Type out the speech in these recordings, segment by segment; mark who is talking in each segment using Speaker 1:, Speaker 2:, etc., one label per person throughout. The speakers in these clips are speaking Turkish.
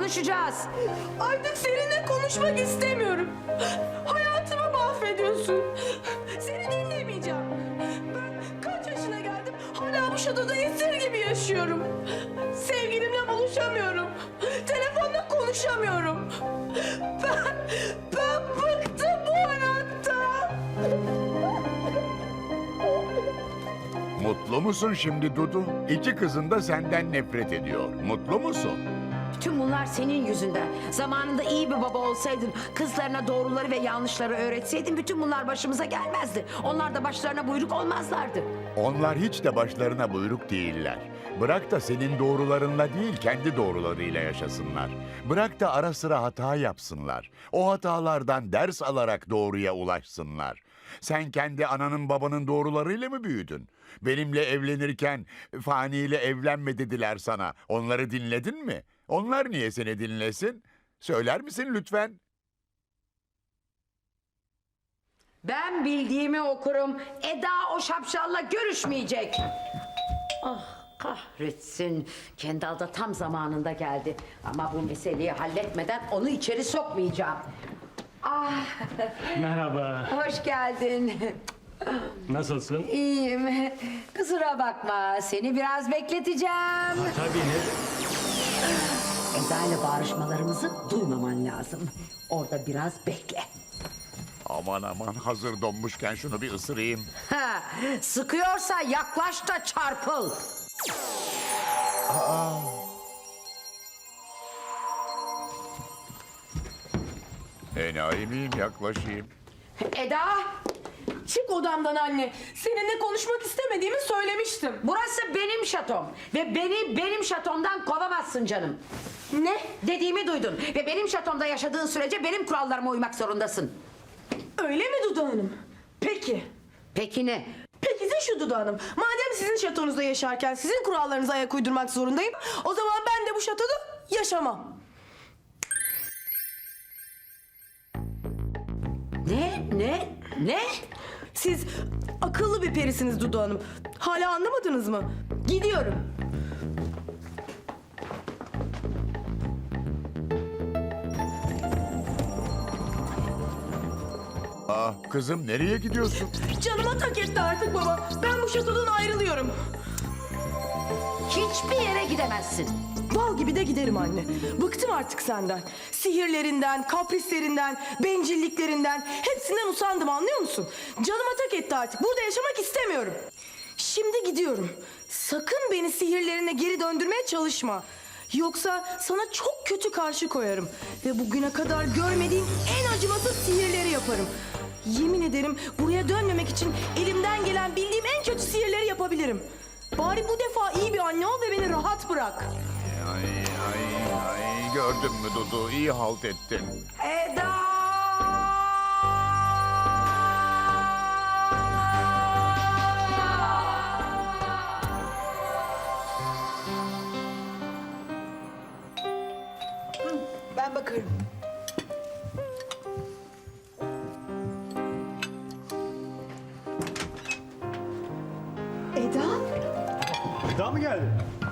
Speaker 1: konuşacağız.
Speaker 2: Artık seninle konuşmak istemiyorum. Hayatımı mahvediyorsun. Seni dinlemeyeceğim. Ben kaç yaşına geldim hala bu şatoda esir gibi yaşıyorum. Sevgilimle buluşamıyorum. Telefonla konuşamıyorum. Ben bıktım bu hayattan.
Speaker 3: Mutlu musun şimdi Dudu? İki kızın da senden nefret ediyor. Mutlu musun?
Speaker 1: Bütün bunlar senin yüzünden. Zamanında iyi bir baba olsaydın, kızlarına doğruları ve yanlışları öğretseydin bütün bunlar başımıza gelmezdi. Onlar da başlarına buyruk olmazlardı.
Speaker 3: Onlar hiç de başlarına buyruk değiller. Bırak da senin doğrularınla değil, kendi doğrularıyla yaşasınlar. Bırak da ara sıra hata yapsınlar. O hatalardan ders alarak doğruya ulaşsınlar. Sen kendi ananın babanın doğrularıyla mı büyüdün? Benimle evlenirken faniyle evlenme dediler sana. Onları dinledin mi? Onlar niye seni dinlesin? Söyler misin lütfen?
Speaker 1: Ben bildiğimi okurum. Eda o şapşalla görüşmeyecek. Ah kahretsin. Kendal da tam zamanında geldi. Ama bu meseleyi halletmeden onu içeri sokmayacağım. Ah,
Speaker 4: Merhaba.
Speaker 1: hoş geldin.
Speaker 4: Nasılsın?
Speaker 1: İyiyim. Kusura bakma. Seni biraz bekleteceğim.
Speaker 4: Tabii ne?
Speaker 1: Eda ile bağırışmalarımızı duymaman lazım. Orada biraz bekle.
Speaker 3: Aman aman, hazır donmuşken şunu bir ısırayım.
Speaker 1: Ha, sıkıyorsa yaklaş da çarpıl.
Speaker 3: Enayi miyim, yaklaşayım?
Speaker 1: Eda,
Speaker 2: Çık odamdan anne. Seninle konuşmak istemediğimi söylemiştim.
Speaker 1: burası benim şatom. Ve beni benim şatomdan kovamazsın canım.
Speaker 2: Ne?
Speaker 1: Dediğimi duydun. Ve benim şatomda yaşadığın sürece benim kurallarıma uymak zorundasın.
Speaker 2: Öyle mi Dudu Hanım? Peki.
Speaker 1: Peki ne?
Speaker 2: Peki de şu Dudu Hanım. Madem sizin şatonuzda yaşarken sizin kurallarınıza ayak uydurmak zorundayım, o zaman ben de bu şatoda yaşamam.
Speaker 1: Ne?
Speaker 2: Siz akıllı bir perisiniz Dudu Hanım. Hala anlamadınız mı? Gidiyorum.
Speaker 3: Kızım nereye gidiyorsun?
Speaker 2: Canıma tak etti artık baba. Ben bu şatodan ayrılıyorum.
Speaker 1: Hiçbir yere gidemezsin.
Speaker 2: Bal gibi de giderim anne. Bıktım artık senden. Sihirlerinden, kaprislerinden, bencilliklerinden hepsinden usandım, anlıyor musun? Canıma tak etti artık. Burada yaşamak istemiyorum. Şimdi gidiyorum. Sakın beni sihirlerine geri döndürmeye çalışma. Yoksa sana çok kötü karşı koyarım. Ve bugüne kadar görmediğin en acımasız sihirleri yaparım. Yemin ederim buraya dönmemek için elimden gelen bildiğim en kötü sihirleri yapabilirim. Bari bu defa iyi bir anne ol ve beni rahat bırak.
Speaker 3: Ay, gördün mü Dudu? İyi halt ettin.
Speaker 1: Eda!
Speaker 2: Ben bakarım. Eda?
Speaker 4: Daha mı geldi?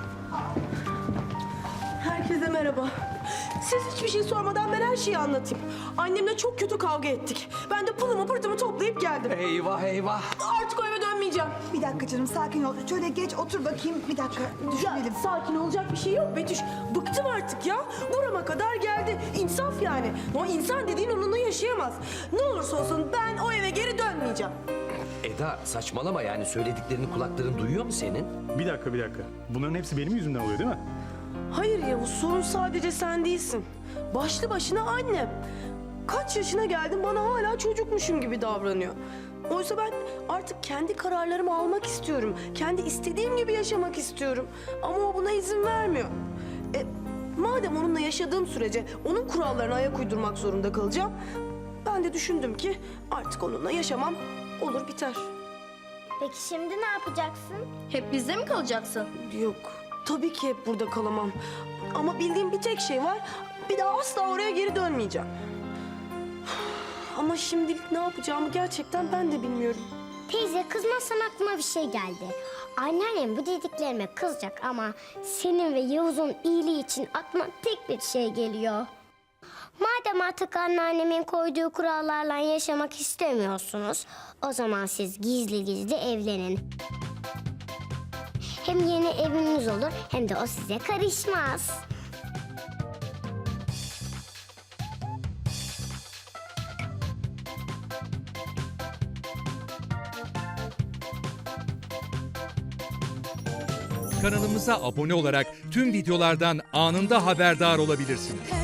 Speaker 2: Herkese merhaba. Siz hiçbir şey sormadan ben her şeyi anlatayım. Annemle çok kötü kavga ettik. Ben de pılımı pırtımı toplayıp geldim.
Speaker 5: Eyvah eyvah.
Speaker 2: Artık o eve dönmeyeceğim.
Speaker 6: Bir dakika canım, sakin ol. Şöyle geç otur bakayım. Bir dakika
Speaker 2: Ya
Speaker 6: düşünelim.
Speaker 2: sakin olacak bir şey yok Betüş. Bıktım artık ya. Burama kadar geldi. İnsaf yani. O insan dediğin onunla yaşayamaz. Ne olursa olsun ben o eve geri dönmeyeceğim.
Speaker 5: Eda saçmalama, yani söylediklerini kulakların duyuyor mu senin?
Speaker 4: Bir dakika. Bunların hepsi benim yüzümden oluyor değil mi?
Speaker 2: Hayır Yavuz, sorun sadece sen değilsin. Başlı başına annem. Kaç yaşına geldim, bana hala çocukmuşum gibi davranıyor. Oysa ben artık kendi kararlarımı almak istiyorum. Kendi istediğim gibi yaşamak istiyorum. Ama o buna izin vermiyor. Madem onunla yaşadığım sürece onun kurallarına ayak uydurmak zorunda kalacağım, ben de düşündüm ki artık onunla yaşamam, olur biter.
Speaker 7: Peki şimdi ne yapacaksın? Hep bizde mi kalacaksın?
Speaker 2: Yok, tabii ki hep burada kalamam. Ama bildiğim bir tek şey var, bir daha asla oraya geri dönmeyeceğim. Ama şimdilik ne yapacağımı gerçekten ben de bilmiyorum.
Speaker 8: Teyze kızmazsan aklıma bir şey geldi. Anneannem bu dediklerime kızacak ama senin ve Yavuz'un iyiliği için aklıma tek bir şey geliyor. Madem artık anneannemin koyduğu kurallarla yaşamak istemiyorsunuz, o zaman siz gizli gizli evlenin. Hem yeni eviniz olur hem de o size karışmaz.
Speaker 9: Kanalımıza abone olarak tüm videolardan anında haberdar olabilirsiniz.